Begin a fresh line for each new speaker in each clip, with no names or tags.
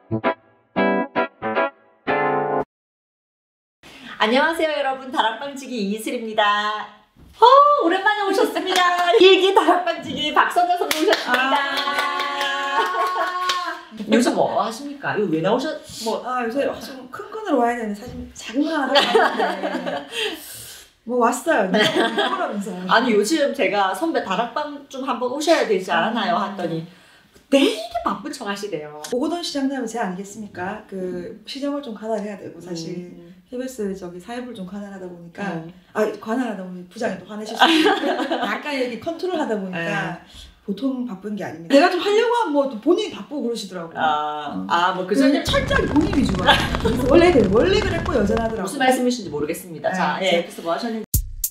안녕하세요 여러분, 다락방지기 이슬입니다. 오랜만에 오셨습니다. 일기 다락방지기 박선자 선배 오셨습니다. 요즘 뭐 하십니까? 이거 왜 나오셨...
요새 좀 큰 건으로 와야 되는데 사실 작은 거 하나 왔는데 뭐 왔어요. 그러면서
아니 요즘 제가 선배 다락방 좀 한번 오셔야 되지 않았나요? 했더니 되게 바쁜 척 하시대요.
오거돈 시장 되면 제 아니겠습니까? 그 시장을 좀 관할해야 되고 사실 KBS 저기 사회부를 좀 관할하다 보니까 관할하다 보니 부장이 또 화내실 수 있고 약간 여기 컨트롤하다 보니까 보통 바쁜 게 아닙니다. 내가 좀 하려고 하면 뭐 본인이 바쁘고 그러시더라고요.
뭐 그 전에
철저하게 본인 위주가 원래 그랬고 여전하더라고요.
무슨 말씀이신지 모르겠습니다. 자, 그래서 뭐 하셨는지.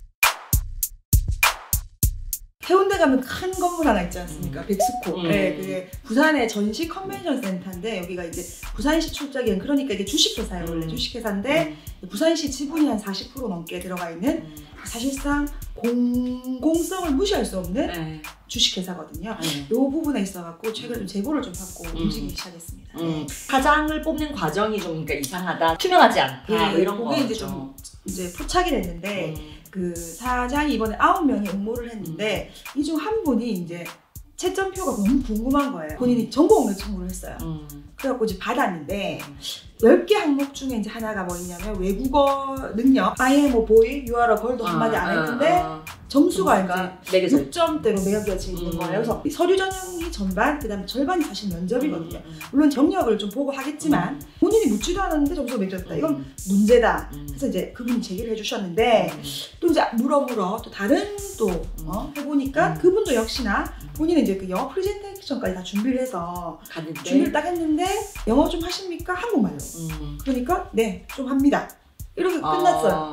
해운대 가면 큰 건물 하나 있지 않습니까? 백스코. 그게 부산의 전시 컨벤션 센터인데 여기가 이제 부산시 출자기엔 그러니까 이게 주식회사예요. 원래 주식회사인데 부산시 지분이 한 40% 넘게 들어가 있는 사실상 공공성을 무시할 수 없는 주식회사거든요. 이 부분에 있어갖고 최근에 좀 제보를 좀 받고 움직이기 시작했습니다.
사장을 뽑는 과정이 좀 그러니까 이상하다, 투명하지 않다, 뭐 이런 거죠.
이제 좀 이제 포착이 됐는데 그 사장이 이번에 9명이 응모를 했는데 이 중 한 분이 이제 채점표가 너무 궁금한 거예요. 본인이 전공을 청구를 했어요. 그래갖고 이제 받았는데 10개 항목 중에 이제 하나가 뭐냐면 외국어 능력 I am a boy, you are a girl도 한마디 안 했는데 점수가 이제 6점대로 매겨져 있는 거예요. 그래서 서류 전형이 전반, 그 다음에 절반이 사실 면접이거든요. 물론 경력을 좀 보고 하겠지만 본인이 묻지도 않았는데 점수가 매겨졌다. 이건 문제다. 그래서 이제 그분이 제기를 해주셨는데 또 이제 물어 또 다른 또 해보니까 그분도 역시나 본인은 이제 그 영어 프레젠테이션까지 다 준비를 해서 준비를 딱 했는데 영어 좀 하십니까? 한국말로. 그러니까 네, 좀 합니다. 이렇게 끝났어요.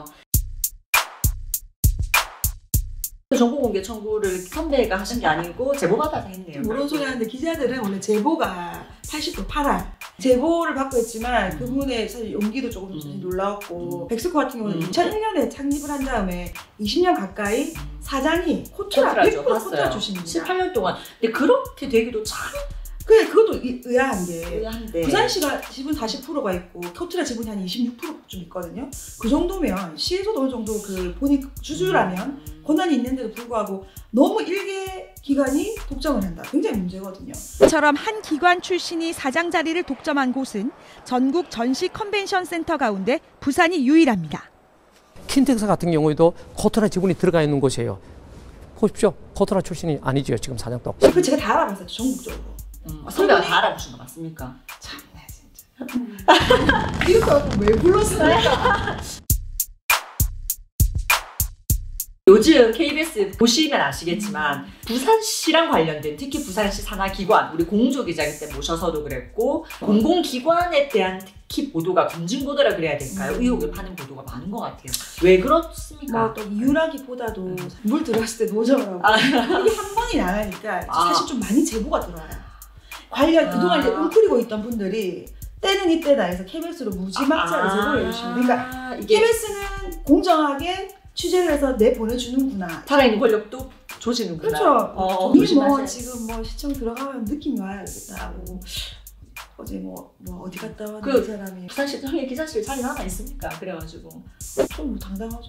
정보 공개 청구를 선배가 하신 게 아니고 제보 받아서 했네요.
그런 소리 하는데 기자들은 원래 제보가 80% 팔아. 제보를 받고 했지만 그분의 사실 용기도 조금 놀라웠고 백스코 같은 경우는 2001년에 창립을 한 다음에 20년 가까이 사장이 코트라 100% 코트라 출신입니다.
18년 동안. 근데 그렇게 되기도 참
그것도 의아한 게 부산시가 지분 40%가 있고 코트라 지분이 한 26%좀 있거든요. 그 정도면 시에서도 어느 정도 그 본인 주주라면 권한이 있는데도 불구하고 너무 일개 기관이 독점을 한다. 굉장히 문제거든요.
이처럼 한 기관 출신이 사장 자리를 독점한 곳은 전국 전시 컨벤션 센터 가운데 부산이 유일합니다.
킨텍스 같은 경우에도 코트라 지분이 들어가 있는 곳이에요. 보십시오. 코트라 출신이 아니죠. 지금 사장도.
그 제가 다 알아봤어요. 전국적으로.
선배가 다 알아보신 거 맞습니까?
참네 진짜. 이렇게 왜 불렀을까?
요즘 KBS 보시면 아시겠지만 부산시랑 관련된 특히 부산시 산하기관 우리 공조기자기 때 모셔서도 그랬고 공공기관에 대한 특히 보도가 검증보도라 그래야 될까요? 의혹을 파는 보도가 많은 것 같아요. 왜 그렇습니까?
또 이유라기보다도 물 들어갔을 때 노정을 하고 이게 한 번이 나가니까 사실 좀 많이 제보가 들어와요. 관련 그동안 이제 웅크리고 있던 분들이 때는 이때다 해서 KBS로 무지막지하게 제보를 해주시면 그러니까 KBS는 공정하게 취재를 해서 내보내주는구나.
살아있는 권력도 조지는구나.
그렇죠. 지금 뭐 시청 들어가면 느낌이 와야 겠다. 어제 뭐 어디 갔다 왔는 사람이
부산시청에 기자실 자리 하나 있습니까? 그래가지고
좀 당당하죠.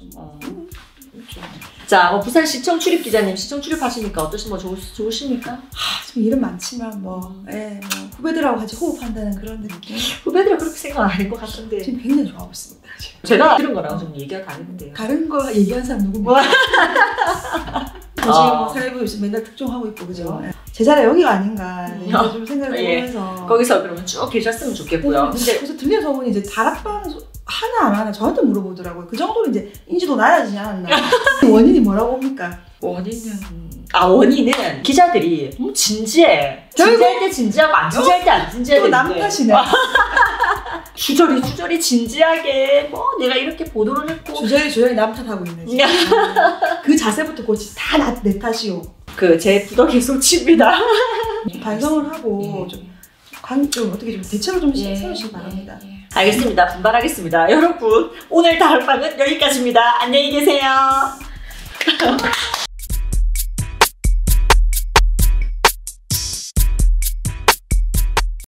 자, 부산시청 출입 기자님 시청 출입하시니까 어떠신 좋으십니까?
좀 일은 많지만 후배들하고 같이 호흡한다는 그런 느낌.
후배들은 그렇게 생각 안 하는 것 같은데
지금 굉장히 좋아하고 있습니다.
제가 들은 거랑 좀 얘기가 다른데요.
다른 거 얘기한 사람 누굽니까? 지금 사회부 맨날 특종하고 있고 그죠? 제 자리 여기가 아닌가 좀 생각을 해보면서
거기서 그러면 쭉 계셨으면 좋겠고요.
근데 그래서 들려서 저분이 이제 다락방 하나 안 하나 저한테 물어보더라고요. 그 정도로 이제 인지도 낮아지지 않았나. 원인이 뭐라고 봅니까?
원인은 기자들이 너무 진지해. 진지할 때 진지하고 안 진지할 때 안 진지해야 되는데
또 남 탓이네.
주저리 진지하게 내가 이렇게 보도를 했고
주저리 남 탓하고 있네. 그 자세부터 고치 다 내 탓이오.
제 부덕의 소치입니다.
반성을 하고 좀 어떻게 좀 대책을 좀 세우시기 바랍니다.
알겠습니다. 분발하겠습니다. 여러분 오늘 다락방은 여기까지입니다. 안녕히 계세요.